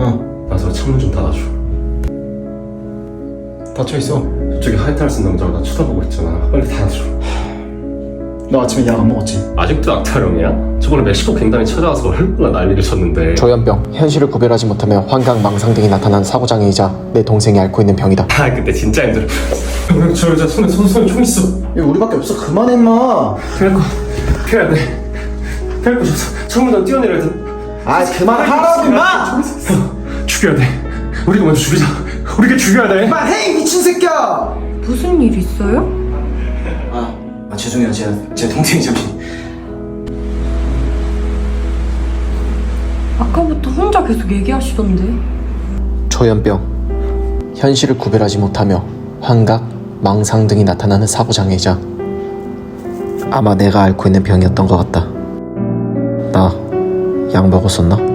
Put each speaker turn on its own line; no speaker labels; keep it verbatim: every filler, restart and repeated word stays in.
어.
나서 창문 좀 닫아줘.
닫혀있어.
저쪽에 하이탈 쓴 남자가 나 쳐다보고 있잖아. 빨리 닫아줘.
너 아침에 약 안 먹었지?
아직도 악타령이야? 저번에 멕시코 갱단이 찾아와서 얼마나 난리를 쳤는데.
조현병, 현실을 구별하지 못하며 환각, 망상 등이 나타난 사고장애이자 내 동생이 앓고 있는 병이다.
아 그때 진짜 힘들어. 형, 저 여자 손에 손, 손에 총 있어.
야, 우리밖에 없어. 그만해, 임마.
피할 거 피해야 돼. 피할 거 줬어. 창문으로 뛰어내려야 돼.
아, 그만하라고, 임마!
죽여야 돼. 우리가 먼저 죽이자. 우리가 죽여야 돼.
그만해, 이 미친 새끼야!
무슨 일 있어요?
아, 아 죄송해요. 제, 제 동생이 잠시.
아까부터 혼자 계속 얘기하시던데.
조현병, 현실을 구별하지 못하며 환각, 망상 등이 나타나는 사고장애이자 아마 내가 앓고 있는 병이었던 것 같다. 나 약 먹었었나?